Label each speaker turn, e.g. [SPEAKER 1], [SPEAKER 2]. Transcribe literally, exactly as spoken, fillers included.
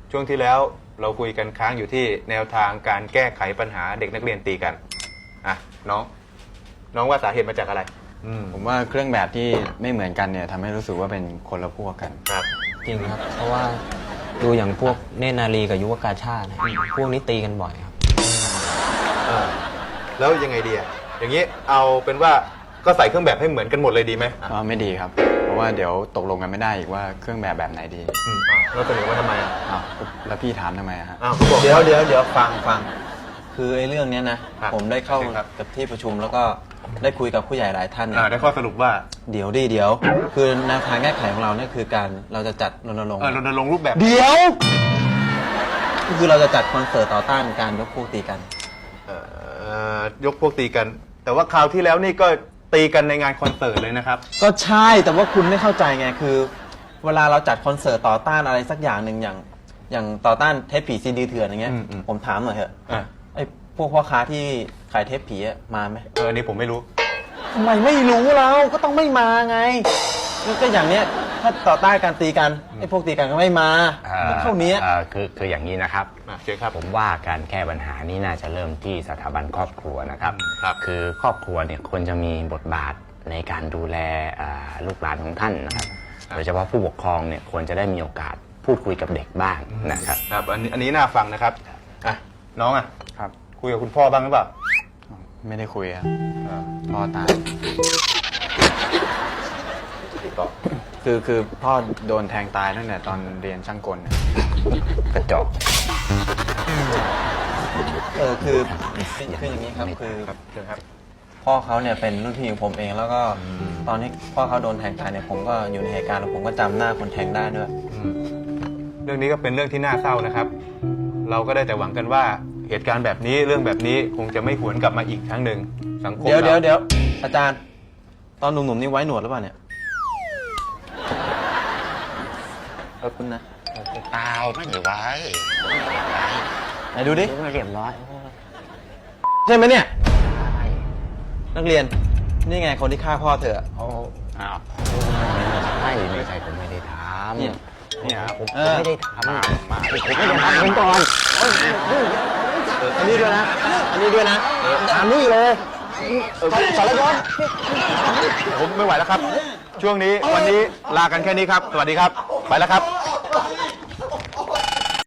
[SPEAKER 1] ช่วงที่แล้วเราคุยกันค้างอยู่ที่แนวทางการแก้ไขปัญหาเด็กนักเรียนตีกันอ่ะน้อง น้องว่าสาเหตุมาจากอะไรอืม
[SPEAKER 2] ผมว่าเครื่องแบบที่ไม่เหมือนกันเนี่ยทำให้รู้สึกว่าเป็นคนละพวกกัน
[SPEAKER 1] ครับ
[SPEAKER 3] จริงครับ เพราะว่าดูอย่างพวกเนตรนารีกับยุวกาชาตินะพวกนี้ตีกันบ่อยครับ
[SPEAKER 1] เออแล้วยังไงดีอ่ะอย่างนี้เอาเป็นว่าก็ใส่เครื่องแบบให้เหมือนกันหมดเลยดีไหมอ่ะ
[SPEAKER 2] ก็ไม่ดีครับ เพราะว่าเดี๋ยวตกลงกันไม่ได้อีกว่าเครื่องแบบแบบไหนดี
[SPEAKER 1] อืมอ่ะแล้วเสนอว่าทำไมอ่ะ
[SPEAKER 2] อ้าวแล้วพี่ถามทำไมอะฮะ
[SPEAKER 1] อ้าวเขาบอก
[SPEAKER 4] เดี๋ยวเดี๋ยวเดี๋ยวฟังฟังคือไอ้เรื่องเนี้ยนะครับ ผมได้เข้า
[SPEAKER 1] ครับ
[SPEAKER 4] กับที่ประชุมแล้วก็ได้คุยกับผู้ใหญ่หลายท่าน
[SPEAKER 1] อ่า
[SPEAKER 4] เนี่ย
[SPEAKER 1] ได้ข้อสรุปว่า
[SPEAKER 4] เดี๋ยวดิเดี๋ยว คือแนวทางแก้ไขของเราเนี่ยคือการเราจะจัดรณรงค์
[SPEAKER 1] เออรณรงค์รูปแบบ
[SPEAKER 4] เดี๋ยวคือเราจะจัดคอนเสิร์ตต่อต้านการยกพวกตีกัน
[SPEAKER 1] เอ่อยกพวกตีกัน แต่ว่าคราวที่แล้วนี่ก็ตีกันในงานคอนเสิร์ตเลยนะครับ
[SPEAKER 4] ก็ใช่แต่ว่าคุณไม่เข้าใจไงคือ เวลาเราจัดคอนเสิร์ตต่อต้านอะไรสักอย่างหนึ่งอย่าง อย่างต่อต้านเทปผีซีดีเถื่อนอย่างเงี้ย
[SPEAKER 1] อืมอืม
[SPEAKER 4] ผมถามหน่อยเถอะ
[SPEAKER 1] อ่ะ
[SPEAKER 4] ไอ้พวกพ่อค้าที่ขายเทปผีอะมาไหม
[SPEAKER 1] เอออันนี้ผมไม่รู้
[SPEAKER 4] ทำไมไม่รู้เราก็ต้องไม่มาไงก็อย่างเนี้ยถ้าต่อต้านการตีกันไอ้พวกตีกันก็ไม่มา
[SPEAKER 5] เอ่อ
[SPEAKER 4] เท่านี้
[SPEAKER 5] เอ่อคือคืออย่างนี้นะครับ
[SPEAKER 1] อ่ะเชิญครับ
[SPEAKER 5] ผมว่าการแก้ปัญหานี้น่าจะเริ่มที่สถาบันครอบครัวนะครับ
[SPEAKER 1] ครับ
[SPEAKER 5] คือครอบครัวเนี่ยควรจะมีบทบาทในการดูแลอ่าลูกหลานของท่านนะครับ โดยเฉพาะผู้ปกครองเนี่ยควรจะได้มีโอกาสพูดคุยกับเด็กบ้างนะครับ
[SPEAKER 1] ครับอันนี้อันนี้น่าฟังนะครับอ่ะน้องอ่ะ
[SPEAKER 2] ครับ
[SPEAKER 1] คุยกับคุณพ่อบ้างหรือเปล่า
[SPEAKER 2] ไม่ได้คุยครับ
[SPEAKER 1] อ่า
[SPEAKER 2] พ่อตาย
[SPEAKER 1] ต่อ
[SPEAKER 2] คือคือพ่อโดนแทงตายตั้งแต่ตอนเรียนช่างกลเนี่ย
[SPEAKER 5] กระจอก
[SPEAKER 4] เออคือคืออย่างนี้ครับคือ
[SPEAKER 1] ครับเชิญครับ
[SPEAKER 4] พ่อเขาเนี่ยเป็นรุ่นพี่ของผมเองแล้วก็ตอนที่พ่อเขาโดนแทงตายเนี่ยผมก็อยู่ในเหตุการณ์แล้วผมก็จำหน้าคนแทงได้ด้วย
[SPEAKER 1] อืมเรื่องนี้ก็เป็นเรื่องที่น่าเศร้านะครับ เราก็ได้แต่หวังกันว่าเหตุการณ์แบบนี้เรื่องแบบนี้คงจะไม่หวนกลับมาอีกครั้งหนึ่งสังคม
[SPEAKER 4] เดี๋ยวเดี๋ยว
[SPEAKER 1] รา
[SPEAKER 4] เดี๋ยวอาจารย์ ตอนหนุ่มๆนี่ไว้หนวดหรือเปล่าเนี่ยขอบคุณนะ
[SPEAKER 5] เปล่าไม่ได้ไว้
[SPEAKER 4] ไหนดูดิ
[SPEAKER 5] ไม่เรียบร้อย
[SPEAKER 4] ใช่ไหมเนี่ย นักเรียนนี่ไงคนที่ฆ่าพ่อเธอ
[SPEAKER 5] โอ้อ้าวไม่ใช่ไม่ใช่ผมไม่ได้ทำ
[SPEAKER 4] เนี่ย
[SPEAKER 5] เนี่ยผม
[SPEAKER 4] เออ
[SPEAKER 5] ไม่ได้ทำมามาผมไม่ได้ทำผมก่อน
[SPEAKER 4] อันนี้ด้วยนะ อันนี้ด้วยนะอันนี้เลย
[SPEAKER 1] เออสารวัตรผมไม่ไหวแล้วครับ ช่วงนี้วันนี้ลากันแค่นี้ครับ สวัสดีครับ ไปแล้วครับ